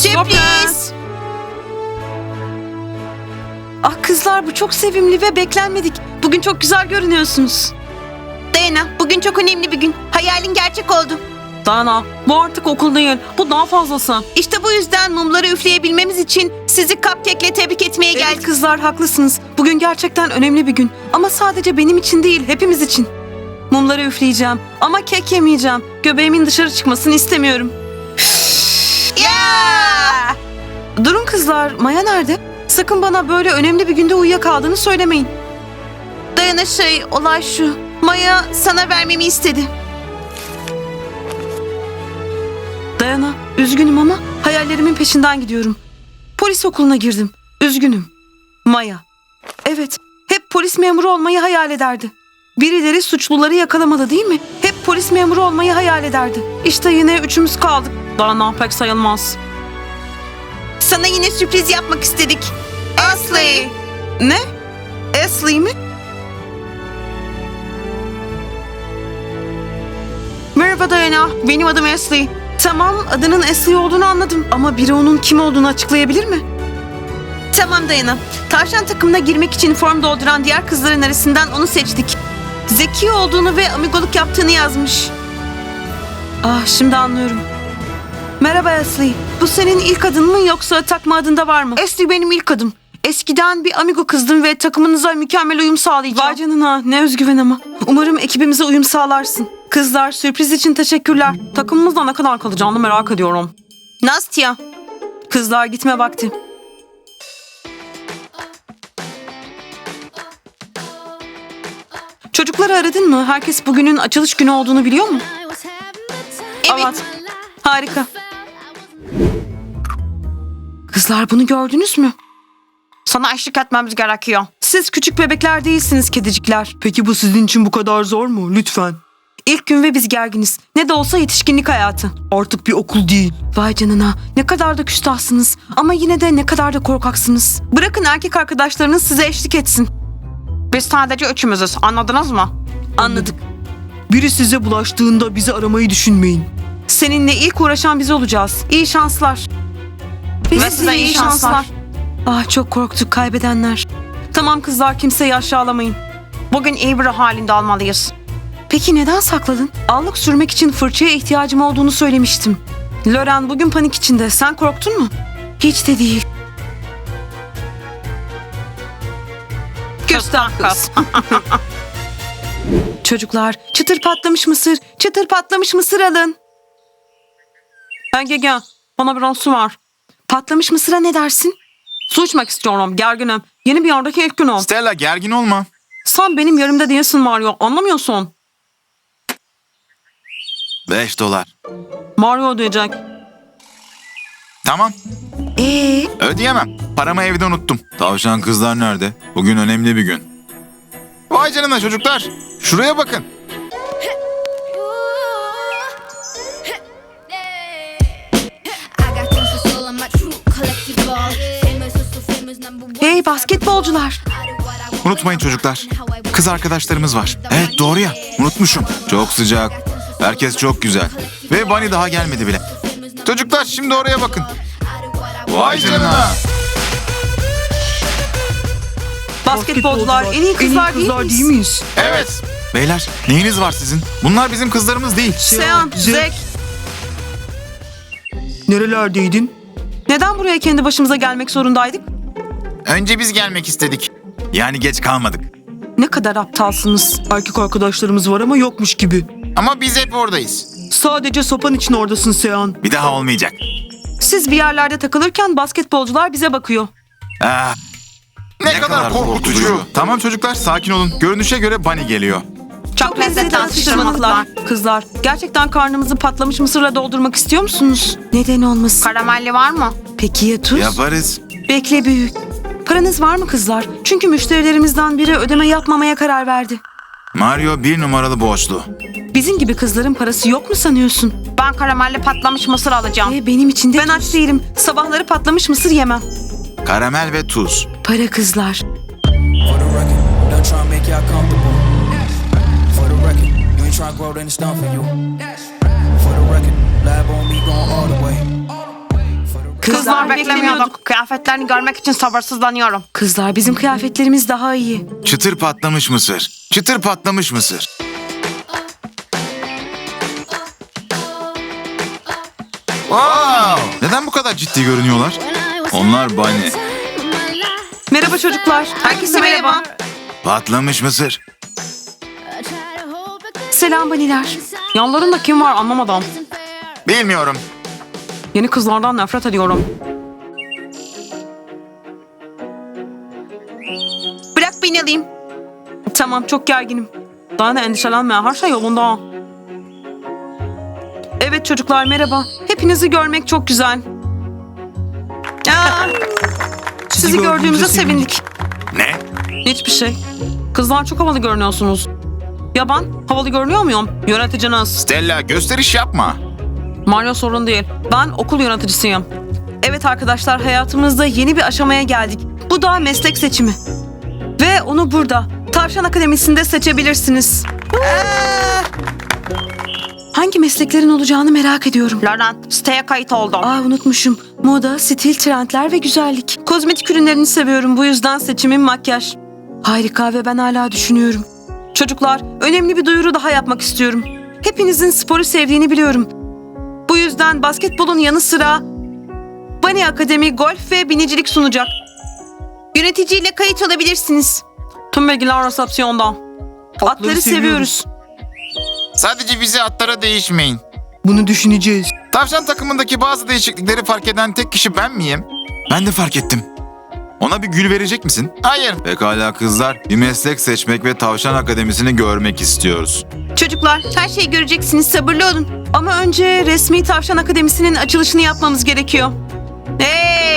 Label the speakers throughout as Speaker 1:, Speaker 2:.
Speaker 1: Sürpriz. Ah kızlar, bu çok sevimli ve beklenmedik. Bugün çok güzel görünüyorsunuz.
Speaker 2: Dayana, bugün çok önemli bir gün. Hayalin gerçek oldu.
Speaker 1: Dana, bu artık okul değil. Bu daha fazlası.
Speaker 2: İşte bu yüzden mumları üfleyebilmemiz için sizi cupcake'le tebrik etmeye
Speaker 1: Evet
Speaker 2: geldik.
Speaker 1: kızlar, haklısınız. Bugün gerçekten önemli bir gün. Ama sadece benim için değil, hepimiz için. Mumları üfleyeceğim ama kek yemeyeceğim. Göbeğimin dışarı çıkmasını istemiyorum.
Speaker 2: Ya!
Speaker 1: Durun kızlar, Maya nerede? Sakın bana böyle önemli bir günde uyuyakaldığını söylemeyin.
Speaker 2: Dayana olay şu. Maya sana vermemi istedi.
Speaker 1: Dayana, üzgünüm ama hayallerimin peşinden gidiyorum. Polis okuluna girdim. Üzgünüm. Maya. Evet, hep polis memuru olmayı hayal ederdi. Birileri suçluları yakalamadı değil mi? Hep polis memuru olmayı hayal ederdi. İşte yine üçümüz kaldık. Dana pek sayılmaz.
Speaker 2: Sana yine sürpriz yapmak istedik. Ashley.
Speaker 1: Ne? Ashley mi? Merhaba Dayana, benim adım Ashley. Tamam, adının Ashley olduğunu anladım ama biri onun kim olduğunu açıklayabilir mi?
Speaker 2: Tamam Dayana. Tavşan takımına girmek için form dolduran diğer kızların arasından onu seçtik. Zeki olduğunu ve amigoluk yaptığını yazmış.
Speaker 1: Ah, şimdi anlıyorum. Merhaba Ashley. Bu senin ilk adın mı yoksa takma adında var mı?
Speaker 2: Ashley benim ilk adım. Eskiden bir amigo kızdım ve takımınıza mükemmel uyum sağlayacağım.
Speaker 1: Vay canına, ne özgüven ama. Umarım ekibimize uyum sağlarsın. Kızlar, sürpriz için teşekkürler. Takımımızda ne kadar kalacağını merak ediyorum.
Speaker 2: Nastya.
Speaker 1: Kızlar, gitme vakti. Çocukları aradın mı? Herkes bugünün açılış günü olduğunu biliyor mu?
Speaker 2: Evet.
Speaker 1: Harika. Kızlar, bunu gördünüz mü?
Speaker 2: Sana eşlik etmemiz gerekiyor.
Speaker 1: Siz küçük bebekler değilsiniz kedicikler. Peki bu sizin için bu kadar zor mu? Lütfen. İlk gün ve biz gerginiz. Ne de olsa yetişkinlik hayatı. Artık bir okul değil. Vay canına, ne kadar da küstahsınız. Ama yine de ne kadar da korkaksınız. Bırakın erkek arkadaşlarınız size eşlik etsin.
Speaker 2: Biz sadece üçümüzüz. Anladınız mı?
Speaker 1: Anladık. Biri size bulaştığında bizi aramayı düşünmeyin. Seninle ilk uğraşan biz olacağız. İyi şanslar.
Speaker 2: Ve size iyi şanslar.
Speaker 1: Ah, çok korktuk kaybedenler. Tamam kızlar, kimseyi aşağılamayın.
Speaker 2: Bugün iyi bir halinde almalıyız.
Speaker 1: Peki neden sakladın? Allık sürmek için fırçaya ihtiyacım olduğunu söylemiştim. Loren bugün panik içinde. Sen korktun mu? Hiç de değil.
Speaker 2: Küstah kız.
Speaker 1: Çocuklar, çıtır patlamış mısır, çıtır patlamış mısır alın. Gel, bana biraz su var. Patlamış mısıra ne dersin? Su içmek istiyorum, gerginim. Yeni bir yerdeki ilk günüm.
Speaker 3: Stella, gergin olma.
Speaker 1: Sen benim yerimde değilsin Mario, anlamıyorsun.
Speaker 3: 5 dolar.
Speaker 1: Mario ödeyecek.
Speaker 3: Tamam.
Speaker 1: Ee,
Speaker 3: Ödeyemem. Paramı evde unuttum. Tavşan kızlar nerede? Bugün önemli bir gün. Vay canına çocuklar. Şuraya bakın.
Speaker 1: Hey basketbolcular.
Speaker 3: Unutmayın çocuklar. Kız arkadaşlarımız var. Evet doğru ya. Unutmuşum. Çok sıcak. Herkes çok güzel. Ve Bunny daha gelmedi bile. Çocuklar şimdi oraya bakın. Vay canına.
Speaker 1: Basketbolcular en iyi kızlar, değil miyiz?
Speaker 3: Evet. Beyler neyiniz var sizin? Bunlar bizim kızlarımız değil.
Speaker 1: Sean, Zek.
Speaker 4: Nerelerdeydin?
Speaker 1: Neden buraya kendi başımıza gelmek zorundaydık?
Speaker 3: Önce biz gelmek istedik. Yani geç kalmadık.
Speaker 1: Ne kadar aptalsınız.
Speaker 4: Erkek arkadaşlarımız var ama yokmuş gibi.
Speaker 3: Ama biz hep oradayız.
Speaker 4: Sadece sopan için oradasın Sean.
Speaker 3: Bir daha olmayacak.
Speaker 1: Siz bir yerlerde takılırken basketbolcular bize bakıyor.
Speaker 3: Ah, ne kadar korkutucu. Tamam çocuklar sakin olun. Görünüşe göre Bunny geliyor.
Speaker 1: Çok lezzetli atıştırmalıklar. Kızlar, gerçekten karnımızı patlamış mısırla doldurmak istiyor musunuz? Neden olmasın?
Speaker 2: Karamelli var mı?
Speaker 1: Peki ya tuz?
Speaker 3: Yaparız.
Speaker 1: Bekle büyük. Paranız var mı kızlar? Çünkü müşterilerimizden biri ödeme yapmamaya karar verdi.
Speaker 3: Mario 1 numaralı borçlu.
Speaker 1: Bizim gibi kızların parası yok mu sanıyorsun?
Speaker 2: Ben karamelli patlamış mısır alacağım.
Speaker 1: Benim için de ben aç değilim. Sabahları patlamış mısır yemem.
Speaker 3: Karamel ve tuz.
Speaker 1: Para kızlar.
Speaker 5: For the record, don't try and make y'all comfortable. For the record, you ain't try to grow, then it's done for you. For the record, lab on me going all the way.
Speaker 2: Kızlar beklemiyorduk. Kıyafetlerini görmek için sabırsızlanıyorum.
Speaker 1: Kızlar bizim kıyafetlerimiz daha iyi.
Speaker 3: Çıtır patlamış mısır. Çıtır patlamış mısır. Wow! Neden bu kadar ciddi görünüyorlar? Onlar Bunny.
Speaker 1: Merhaba çocuklar.
Speaker 2: Herkese merhaba.
Speaker 3: Patlamış mısır.
Speaker 1: Selam baniler. Yanlarında kim var anlamadım.
Speaker 3: Bilmiyorum.
Speaker 1: Yeni kızlardan nefret ediyorum.
Speaker 2: Bırak beni alayım.
Speaker 1: Tamam çok gerginim. Daha ne endişelenme her şey yolunda. Evet çocuklar merhaba. Hepinizi görmek çok güzel.
Speaker 2: Aa,
Speaker 1: Sizi gördüğümüze sevindik.
Speaker 3: Ne?
Speaker 1: Hiçbir şey. Kızlar çok havalı görünüyorsunuz. Ya ben havalı görünüyor muyum? Yöneticiniz.
Speaker 3: Stella gösteriş yapma.
Speaker 1: Mario sorun değil. Ben okul yöneticisiyim. Evet arkadaşlar hayatımızda yeni bir aşamaya geldik. Bu da meslek seçimi. Ve onu burada. Tavşan Akademisi'nde seçebilirsiniz. Hangi mesleklerin olacağını merak ediyorum.
Speaker 2: Lauren, siteye kayıt oldum.
Speaker 1: Aa unutmuşum. Moda, stil, trendler ve güzellik. Kozmetik ürünlerini seviyorum. Bu yüzden seçimim makyaj. Harika ve ben hala düşünüyorum. Çocuklar, önemli bir duyuru daha yapmak istiyorum. Hepinizin sporu sevdiğini biliyorum. Bu yüzden basketbolun yanı sıra Bunny Akademi golf ve binicilik sunacak.
Speaker 2: Yöneticiyle kayıt olabilirsiniz.
Speaker 1: Tüm bilgiler resepsiyonda. Atları seviyoruz.
Speaker 3: Sadece bizi atlara değişmeyin.
Speaker 4: Bunu düşüneceğiz.
Speaker 3: Tavşan takımındaki bazı değişiklikleri fark eden tek kişi ben miyim? Ben de fark ettim. Ona bir gül verecek misin? Hayır. Pekala kızlar, bir meslek seçmek ve Tavşan Akademisi'ni görmek istiyoruz.
Speaker 2: Çocuklar, her şeyi göreceksiniz. Sabırlı olun.
Speaker 1: Ama önce resmi Tavşan Akademisi'nin açılışını yapmamız gerekiyor.
Speaker 2: Hey!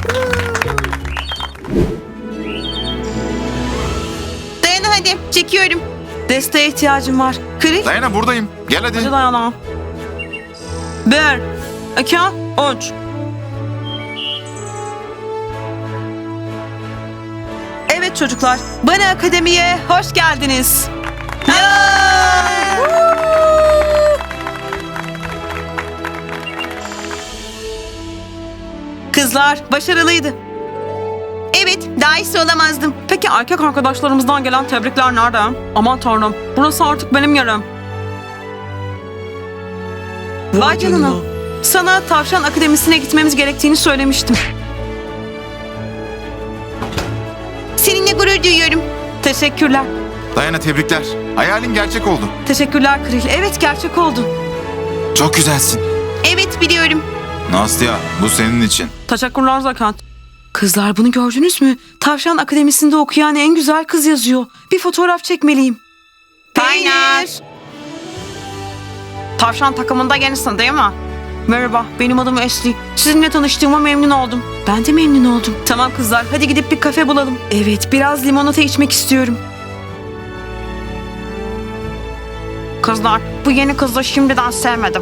Speaker 2: Dayan hadi, çekiyorum.
Speaker 1: Desteğe ihtiyacım var. Kril,
Speaker 3: Dayana buradayım. Gel hadi.
Speaker 1: hadi dayanalım. 1, 2, 3. Evet çocuklar, Bunny Akademi'ye hoş geldiniz. Kızlar başarılıydı.
Speaker 2: Evet, daha iyisi olamazdım.
Speaker 1: Peki erkek arkadaşlarımızdan gelen tebrikler nerede? Aman tanrım, burası artık benim yerim. Vay canına. Sana Tavşan Akademisi'ne gitmemiz gerektiğini söylemiştim.
Speaker 2: Seninle gurur duyuyorum.
Speaker 1: Teşekkürler.
Speaker 3: Dayana tebrikler. Hayalin gerçek oldu.
Speaker 1: Teşekkürler Kril. Evet gerçek oldu.
Speaker 3: Çok güzelsin.
Speaker 2: Evet, biliyorum.
Speaker 3: Nastya, bu senin için.
Speaker 1: Teşekkürler Zakat. Kızlar bunu gördünüz mü? Tavşan Akademisi'nde okuyan en güzel kız yazıyor. Bir fotoğraf çekmeliyim.
Speaker 2: Peynir.
Speaker 1: Tavşan takımında yenisin değil mi? Merhaba, benim adım Ashley. Sizinle tanıştığıma memnun oldum. Ben de memnun oldum. Tamam kızlar, hadi gidip bir kafe bulalım. Evet, biraz limonata içmek istiyorum.
Speaker 2: Kızlar, bu yeni kızı şimdiden sevmedim.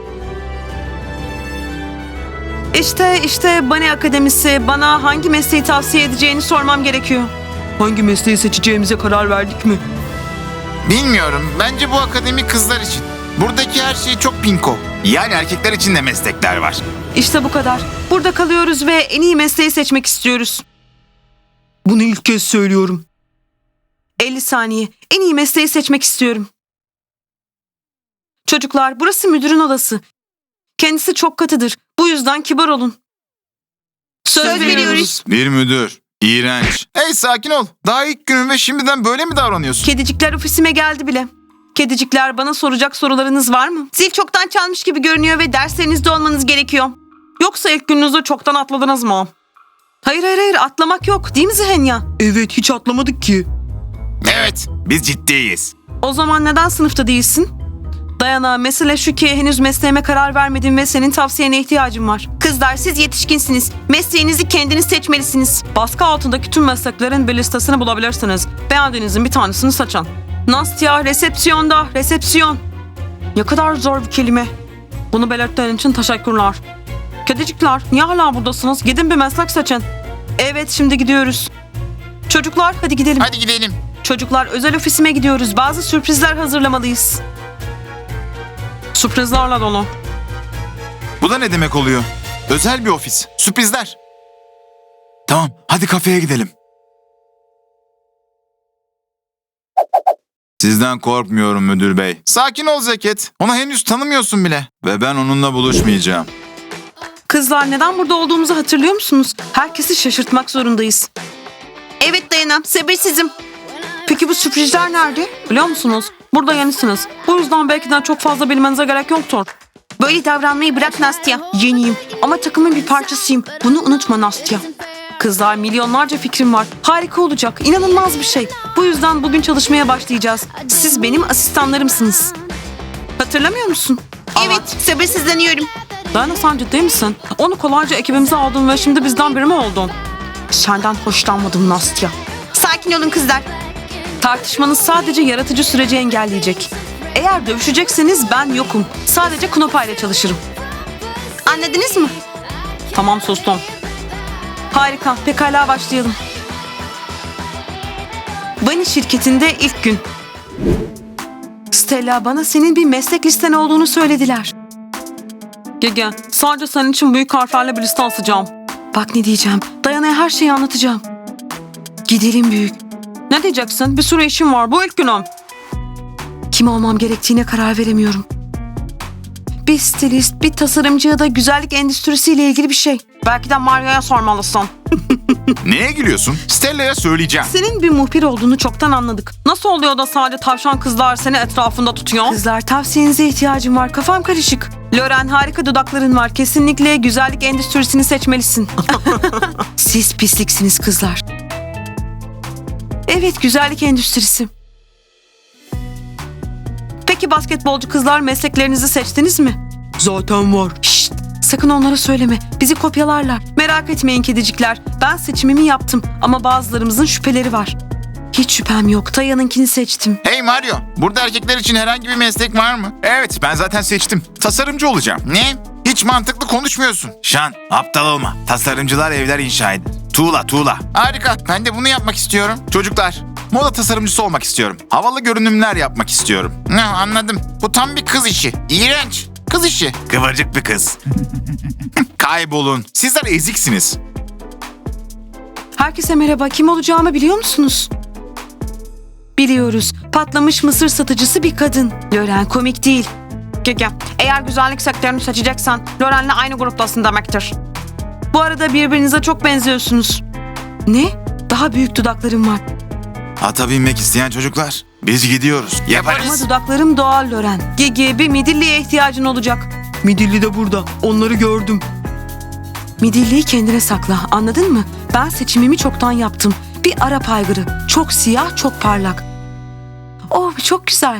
Speaker 1: İşte Bunny Akademisi bana hangi mesleği tavsiye edeceğini sormam gerekiyor.
Speaker 4: Hangi mesleği seçeceğimize karar verdik mi?
Speaker 3: Bilmiyorum. Bence bu akademi kızlar için. Buradaki her şey çok pinko. Yani erkekler için de meslekler var.
Speaker 1: İşte bu kadar. Burada kalıyoruz ve en iyi mesleği seçmek istiyoruz.
Speaker 4: Bunu ilk kez söylüyorum.
Speaker 1: 50 saniye. En iyi mesleği seçmek istiyorum. Çocuklar, burası müdürün odası. Kendisi çok katıdır. Bu yüzden kibar olun.
Speaker 2: Söz veriyoruz.
Speaker 3: Bir müdür. İğrenç. Hey sakin ol. Daha ilk günün ve şimdiden böyle mi davranıyorsun?
Speaker 1: Kedicikler ofisime geldi bile. Kedicikler, bana soracak sorularınız var mı?
Speaker 2: Zil çoktan çalmış gibi görünüyor ve derslerinizde olmanız gerekiyor.
Speaker 1: Yoksa ilk gününüzü çoktan atladınız mı? Hayır, atlamak yok değil mi Zihenya?
Speaker 4: Evet, hiç atlamadık ki.
Speaker 3: Evet. Biz ciddiyiz.
Speaker 1: O zaman neden sınıfta değilsin? Dayana, mesele şu ki henüz mesleğime karar vermedim ve senin tavsiyene ihtiyacım var.
Speaker 2: Kızlar, siz yetişkinsiniz. Mesleğinizi kendiniz seçmelisiniz.
Speaker 1: Baskı altındaki tüm mesleklerin bir listesini bulabilirsiniz. Beğendiğinizin bir tanesini seçin. Nastya, resepsiyonda, resepsiyon. Ne kadar zor bir kelime. Bunu belirttiğin için teşekkürler. Kedicikler, niye hala buradasınız? Gidin bir meslek seçin. Evet, şimdi gidiyoruz. Çocuklar, hadi gidelim.
Speaker 3: Hadi gidelim.
Speaker 1: Çocuklar, özel ofisime gidiyoruz. Bazı sürprizler hazırlamalıyız. Sürprizlerle dolu.
Speaker 3: Bu da ne demek oluyor? Özel bir ofis. Sürprizler. Tamam, hadi kafeye gidelim. Sizden korkmuyorum müdür bey. Sakin ol Zeket. Onu henüz tanımıyorsun bile. Ve ben onunla buluşmayacağım.
Speaker 1: Kızlar neden burada olduğumuzu hatırlıyor musunuz? Herkesi şaşırtmak zorundayız.
Speaker 2: Evet Dayana, sabırsızım.
Speaker 1: Peki bu sürprizler nerede? Biliyor musunuz? Burada yenisiniz. Bu yüzden belki de çok fazla bilmenize gerek yoktur.
Speaker 2: Böyle davranmayı bırak Nastya.
Speaker 1: Yeniyim ama takımın bir parçasıyım. Bunu unutma Nastya. Kızlar milyonlarca fikrim var. Harika olacak. İnanılmaz bir şey. Bu yüzden bugün çalışmaya başlayacağız. Siz benim asistanlarımsınız. Hatırlamıyor musun?
Speaker 2: Evet, sabırsızlanıyorum.
Speaker 1: Dayana sen ciddi misin? Onu kolayca ekibimize aldın ve şimdi bizden biri mi oldun? Senden hoşlanmadım Nastya.
Speaker 2: Sakin olun kızlar.
Speaker 1: Tartışmanız sadece yaratıcı süreci engelleyecek. Eğer dövüşecekseniz ben yokum. Sadece Knopa ile çalışırım.
Speaker 2: Anladınız mı?
Speaker 1: Tamam sustum. Harika. Pekala başlayalım. Bunny şirketinde ilk gün. Stella bana senin bir meslek listen olduğunu söylediler. Gege sadece senin için büyük harflerle bir liste asacağım. Bak ne diyeceğim. Dayana'ya her şeyi anlatacağım. Gidelim büyük. Ne diyeceksin? Bir sürü işim var. Bu ilk günüm. Kim olmam gerektiğine karar veremiyorum. Bir stilist, bir tasarımcı ya da güzellik endüstrisiyle ilgili bir şey. Belki de Mario'ya sormalısın.
Speaker 3: Neye gülüyorsun? Stella'ya söyleyeceğim.
Speaker 1: Senin bir muhbir olduğunu çoktan anladık. Nasıl oluyor da sadece tavşan kızlar seni etrafında tutuyor? Kızlar tavsiyenize ihtiyacım var. Kafam karışık. Loren harika dudakların var. Kesinlikle güzellik endüstrisini seçmelisin. Siz pisliksiniz kızlar. Evet güzellik endüstrisi. Peki basketbolcu kızlar mesleklerinizi seçtiniz mi?
Speaker 4: Zaten var.
Speaker 1: Şşt, sakın onlara söyleme. Bizi kopyalarlar. Merak etmeyin kedicikler. Ben seçimimi yaptım ama bazılarımızın şüpheleri var. Hiç şüphem yok. Taya'nınkini seçtim.
Speaker 3: Hey Mario, burada erkekler için herhangi bir meslek var mı? Evet, ben zaten seçtim. Tasarımcı olacağım. Ne? Hiç mantıklı konuşmuyorsun. Şan, aptal olma. Tasarımcılar evler inşa eder. Tuğla. Harika, ben de bunu yapmak istiyorum. Çocuklar, moda tasarımcısı olmak istiyorum. Havalı görünümler yapmak istiyorum. Ne anladım. Bu tam bir kız işi. İğrenç. Kız işi. Kıvırcık bir kız. Kaybolun. Sizler eziksiniz.
Speaker 1: Herkese merhaba. Kim olacağımı biliyor musunuz? Biliyoruz. Patlamış mısır satıcısı bir kadın. Loren komik değil. Gege, eğer güzellik sektörünü seçeceksen Loren'le aynı gruptasın demektir. Bu arada birbirinize çok benziyorsunuz. Ne? Daha büyük dudaklarım var.
Speaker 3: Ata binmek isteyen çocuklar. Biz gidiyoruz.
Speaker 1: Ama
Speaker 3: Yaparız.
Speaker 1: dudaklarım doğal Loren. Gege, bir midilliye ihtiyacın olacak.
Speaker 4: Midilli de burada. Onları gördüm.
Speaker 1: Midilliyi kendine sakla. Anladın mı? Ben seçimimi çoktan yaptım. Bir Arap aygırı. Çok siyah, çok parlak. Oh, çok güzel.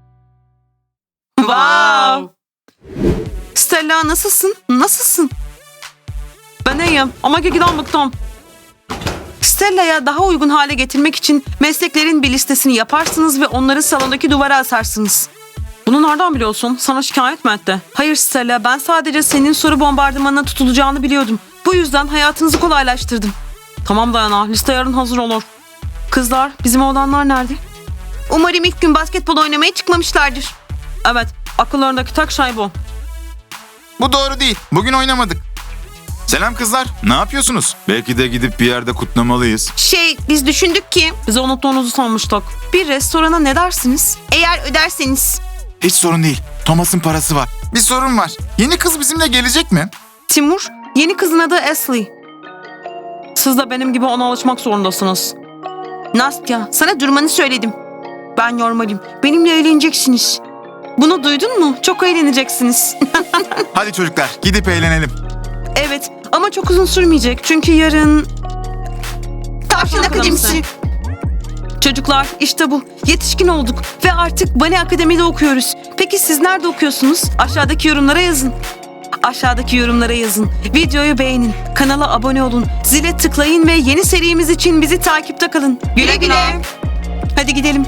Speaker 1: Wow. Stella nasılsın? Nasılsın? Ben iyiyim ama Gege'den bıktım. Stella'ya daha uygun hale getirmek için mesleklerin bir listesini yaparsınız ve onları salondaki duvara asarsınız. Bunu nereden biliyorsun? Sana şikayet mi etti? Hayır Stella, ben sadece senin soru bombardımanına tutulacağını biliyordum. Bu yüzden hayatınızı kolaylaştırdım. Tamam Dayana, liste yarın hazır olur. Kızlar, bizim oğlanlar nerede?
Speaker 2: Umarım ilk gün basketbol oynamaya çıkmamışlardır.
Speaker 1: Evet, akıllarındaki tek şey bu.
Speaker 3: Bu doğru değil. Bugün oynamadık. Selam kızlar. Ne yapıyorsunuz? Belki de gidip bir yerde kutlamalıyız.
Speaker 2: Biz düşündük ki
Speaker 1: Bizi unuttuğunuzu sanmıştık. Bir restorana ne dersiniz?
Speaker 2: eğer öderseniz.
Speaker 3: Hiç sorun değil. Thomas'ın parası var. Bir sorun var. Yeni kız bizimle gelecek mi?
Speaker 1: Timur, yeni kızın adı Ashley. Siz de benim gibi ona alışmak zorundasınız.
Speaker 2: Nastya, sana durmanı söyledim.
Speaker 1: Ben normalim. Benimle eğleneceksiniz. Bunu duydun mu? Çok eğleneceksiniz.
Speaker 3: Hadi çocuklar gidip eğlenelim.
Speaker 1: Evet ama çok uzun sürmeyecek. Çünkü yarın...
Speaker 2: Tavşan Akademisi.
Speaker 1: Çocuklar işte bu. Yetişkin olduk ve artık Bunny Akademi'de okuyoruz. Peki siz nerede okuyorsunuz? Aşağıdaki yorumlara yazın. Aşağıdaki yorumlara yazın. Videoyu beğenin. Kanala abone olun. Zile tıklayın ve yeni serimiz için bizi takipte kalın.
Speaker 2: Güle güle.
Speaker 1: Hadi gidelim.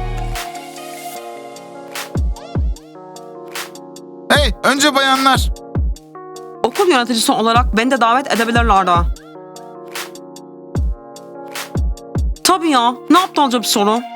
Speaker 3: Hey önce bayanlar.
Speaker 1: Okul yöneticisi olarak beni de davet edebilirlerdi. Tabii ya. Ne aptalca bir soru.